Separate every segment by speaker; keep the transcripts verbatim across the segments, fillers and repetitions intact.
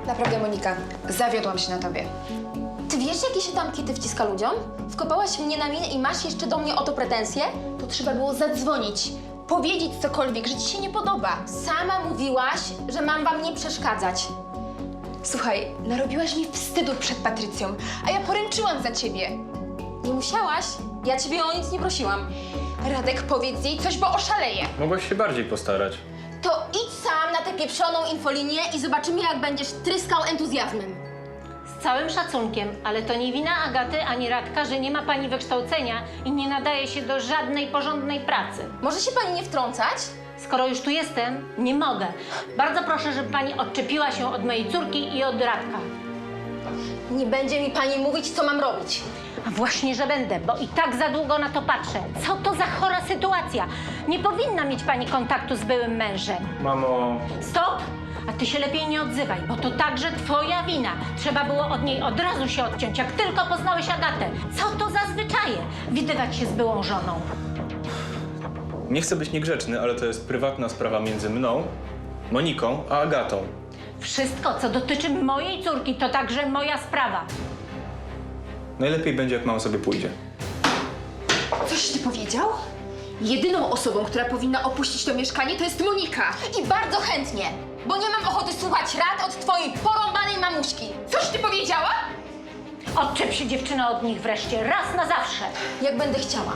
Speaker 1: Naprawdę, Monika, zawiodłam się na tobie.
Speaker 2: Ty wiesz, jakie się tam kity wciska ludziom? Wkopałaś mnie na minę i masz jeszcze do mnie o to pretensje? To trzeba było zadzwonić, powiedzieć cokolwiek, że ci się nie podoba. Sama mówiłaś, że mam wam nie przeszkadzać.
Speaker 1: Słuchaj, narobiłaś mi wstydu przed Patrycją, a ja poręczyłam za ciebie.
Speaker 2: Nie musiałaś? Ja ciebie o nic nie prosiłam.
Speaker 1: Radek, powiedz jej coś, bo oszaleję.
Speaker 3: Mogłaś się bardziej postarać.
Speaker 2: To idź sam na tę pieprzoną infolinię i zobaczymy, jak będziesz tryskał entuzjazmem.
Speaker 4: Z całym szacunkiem, ale to nie wina Agaty ani Radka, że nie ma pani wykształcenia i nie nadaje się do żadnej porządnej pracy.
Speaker 2: Może się pani nie wtrącać?
Speaker 4: Skoro już tu jestem, nie mogę. Bardzo proszę, żeby pani odczepiła się od mojej córki i od Radka.
Speaker 2: Nie będzie mi pani mówić, co mam robić.
Speaker 4: A właśnie, że będę, bo i tak za długo na to patrzę. Co to za chora sytuacja? Nie powinna mieć pani kontaktu z byłym mężem.
Speaker 3: Mamo...
Speaker 4: Stop! A ty się lepiej nie odzywaj, bo to także twoja wina. Trzeba było od niej od razu się odciąć, jak tylko poznałeś Agatę. Co to za zwyczaje? Widywać się z byłą żoną.
Speaker 3: Nie chcę być niegrzeczny, ale to jest prywatna sprawa między mną, Moniką, a Agatą.
Speaker 4: Wszystko, co dotyczy mojej córki, to także moja sprawa.
Speaker 3: Najlepiej będzie, jak mama sobie pójdzie.
Speaker 1: Coś ty powiedział? Jedyną osobą, która powinna opuścić to mieszkanie, to jest Monika.
Speaker 2: I bardzo chętnie, bo nie mam ochoty słuchać rad od twojej porąbanej mamuśki.
Speaker 1: Coś ty powiedziała?
Speaker 4: Odczep się, dziewczyno, od nich wreszcie, raz na zawsze.
Speaker 2: Jak będę chciała.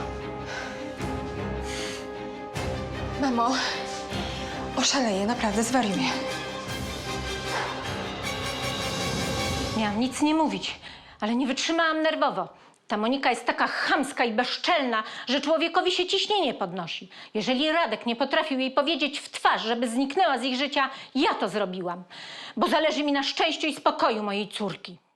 Speaker 1: Mamo, oszaleję, naprawdę zwariuję.
Speaker 4: Miałam nic nie mówić, ale nie wytrzymałam nerwowo. Ta Monika jest taka chamska i bezczelna, że człowiekowi się ciśnienie podnosi. Jeżeli Radek nie potrafił jej powiedzieć w twarz, żeby zniknęła z ich życia, ja to zrobiłam. Bo zależy mi na szczęściu i spokoju mojej córki.